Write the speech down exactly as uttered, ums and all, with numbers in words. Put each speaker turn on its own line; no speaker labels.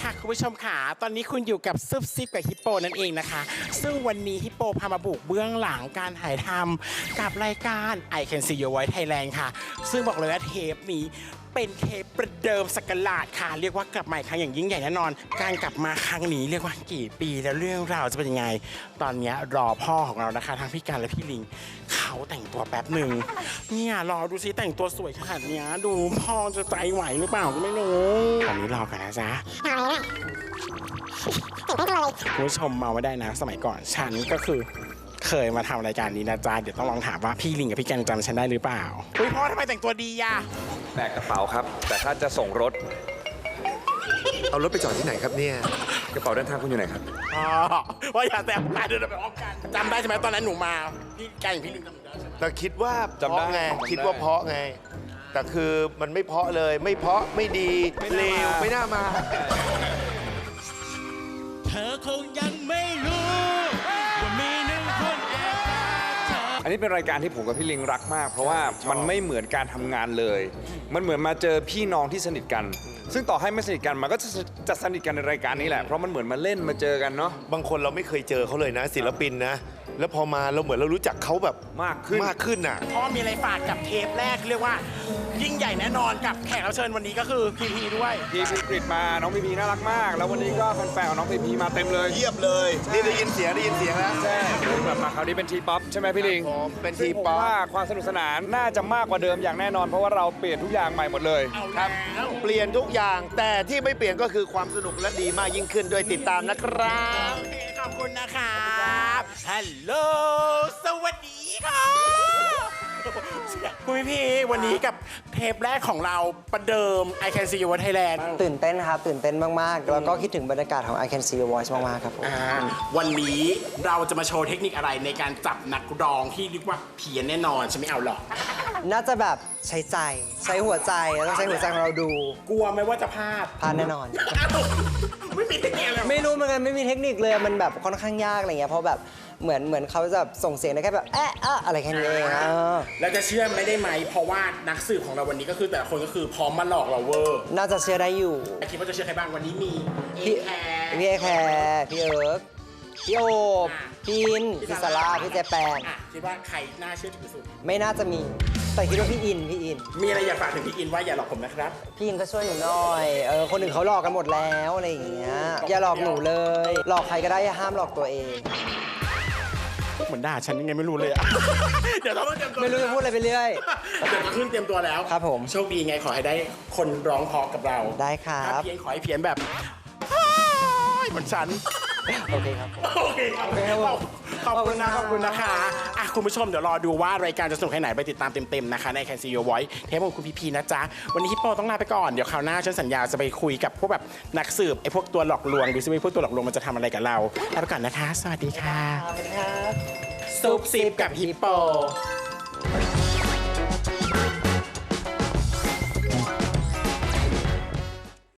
ค่ะคุณผู้ชมค่ะตอนนี้คุณอยู่กับซุปซิปกับฮิปโปนั่นเองนะคะซึ่งวันนี้ฮิปโปพามาบุกเบื้องหลังการถ่ายทำกับรายการ I Can See Your Voice Thailand ค่ะซึ่งบอกเลยว่าเทปนี้เป็นเทปประเดิมสกราชค่ะเรียกว่ากลับมาอีกครั้งอย่างยิ่งใหญ่แน่นอนการกลับมาครั้งนี้เรียกว่ากี่ปีแล้วเรื่องราวจะเป็นยังไงตอนนี้รอพ่อของเรานะคะทั้งพี่การและพี่ลิงเขาแต่งตัวแป๊บหนึ่งเนี่ยรอดูซิแต่งตัวสวยขนาดเนี้ยดูพ่อจะใจไหวหรือเปล่าก็ไม่รู้ตอนนี้รอกันนะจ๊ะคุณผู้ชมมาไม่ได้นะสมัยก่อนฉันก็คือเคยมาทำรายการนี้นะจ๊ะเดี๋ยวต้องลองถามว่าพี่ลิงกับพี่แกงจำฉันได้หรือเปล่าอุ้ยพ่อทำไมแต่งตัวดีอะ
แบกกระเป๋าครับแต่ถ้าจะส่งรถ
เอารถไปจอดที่ไหนครับเนี่ย
กระเป๋าเดินทางคุณอยู่ไหนครับ
อ๋อว่าอย่าแต่งตาเดินไปอ้อมกันจำได้ใช่ไหมตอนนั้นหนูมาพี่แกงพี่ลิงจำได้ใช่ไหม
แต่คิดว่า
จำได้
เพราะไง
จำได้
คิดว่าเพราะไง แต่คือมันไม่เพราะเลย ไม่เพราะไม่ดีเลวไม่น่ามา
เธอคงยังไม่รู้ว่ามีหนึ่งคนแอบรักเธอ
อันนี้เป็นรายการที่ผมกับพี่ลิงรักมาก เพราะว่ามันไม่เหมือนการทำงานเลย มันเหมือนมาเจอพี่น้องที่สนิทกัน ซึ่งต่อให้ไม่สนิทกันมันก็จะจะสนิทกันในรายการนี้แหละเพราะมันเหมือนมาเล่นมาเจอกันเนาะ
บางคนเราไม่เคยเจอเขาเลยนะ ศิลปินนะ แล้วพอมาเราเหมือนเรารู้จักเขาแบบ
มากขึ้น
มากขึ้นอ่ะ
พ่อมีอะไรฝากกับเทปแรกเรียกว่ายิ่งใหญ่แน่นอนกับแขกรับเชิญวันนี้ก็คือพีพีด้วย
พี่พีกริดมาน้องพีพีน่ารักมาก แล้ววันนี้ก็แฟนๆของน้องพีพีมาเต็มเลย
เยียบเลย นี่ได้ยินเสียงได้ยินเสียงแล้ว
ใช่แบบมาคราวนี้เป็นทีป๊อปใช่ไหมพี่ลิง
ผมเป็นที
ซึ่งผม
ป๊อป
ว่าความสนุกสนานน่าจะมากกว่าเดิมอย่างแน่นอน เพราะว่าเราเปลี่ยนทุกอย่างใหม่หมดเลย
เอา
ครับ
แล้ว
เปลี่ยนทุกอย่าง แต่ที่ไม่เปลี่ยนก็คือความสนุกและดีมากยิ่งขึ้นด้วยติดตามนะครับ
โอเคขอบคุณนะครับฮัลโหลสวัสดีค่ะคุณพี่พีวันนี้กับเทปแรกของเราประเดิม I Can See Your Thailand
ตื่นเต้นครับ ตื่นเต้นมาก ๆ แล้วก็คิดถึงบรรยากาศของ I Can See Your Voice มาก ๆ ครับผม
อ่าวันนี้เราจะมาโชว์เทคนิคอะไรในการจับนักร้องที่เรียกว่าเพี้ยนแน่นอนฉันไม่เอาหรอก
น่าจะแบบใช้ใจ ใช้หัวใจแล้วต้องใช้หัวใจของเราดู
กลัวไหมว่าจะพลาด
พลาดแน่นอน
อ้าวไม่มีเทคนิคอะไร
ไม่รู้เหมือนกันไม่มีเทคนิคเลยมันแบบค่อนข้างยากอะไรเงี้ยเพราะแบบเหมือนเหมือนเขาจะส่งเสียงได้แค่แบบแอะอะอะไรแค่นี้เองเออ
แล้วจะเชื่อไม่ได้ไหมเพราะว่านักสืบของเราวันนี้ก็คือแต่ละคนก็คือพร้อมมาหลอกเราเวอร์
น่าจะเชื่อได้อยู่
คิดว่าจะเชื่อใครบ้างวันนี้มีเอ
พี่
แคร์
พี่เอแคร์พี่เอิร์กพี่โอบพี่อินพี่ซาร่าพี่เจแปน
อ่ะคิดว่าใครน่าเชื่อถือสุด
ไม่น่าจะมี แต่คิดว่าพี่อินพี่อิน
มีอะไรอยากฝากถึงพี่อินว่าอย่าหลอกผมนะครับ
พี่อินก็ช่วยหนูหน่อยเออคนอื่นเขาหลอกกันหมดแล้วอะไรอย่างเงี้ยอย่าหลอกหนูเลย หลอกใครก็ได้อย่าห้ามหลอกตัวเอง
เหมือนด่าฉันยังไงไม่รู้เลยอะ เดี๋ยวต้องเตรียมตัว
ไม่รู้จะพูดอะไรไปเรื่อย
เดี๋ยวมาขึ้นเตรียมตัวแล้ว
ครับผม
โชคดีไงขอให้ได้คนร้องเพอกับเรา
ได้ครับ
ถ้าเพี้ยนขอให้เพี้ยนแบบเหมือนฉัน
โอเคครับ
โอเคครับ
โอเคครับผม
ขอบคุณนะ ข
ข
อ
อ
บบ
คุ
คุณ
ณ
นะคะ อ่ะ คุณผู้ชมเดี๋ยวรอดูว่ารายการจะสนุกแค่ไหนไปติดตามเต็มๆนะคะใน Can See Your Voice เทปของคุณพีพีนะจ๊ะ วันนี้ฮิปโปต้องลาไปก่อน เดี๋ยวคราวหน้าฉันสัญญาจะไปคุยกับพวกแบบนักสืบไอ้พวกตัวหลอกลวงดูซิว่าพวกตัวหลอกลวงมันจะทำอะไรกับเราลาไปก่อนนะคะ สวัสดีค่ะ
สวัสดีครับ
ซุปซิปกับฮิปโป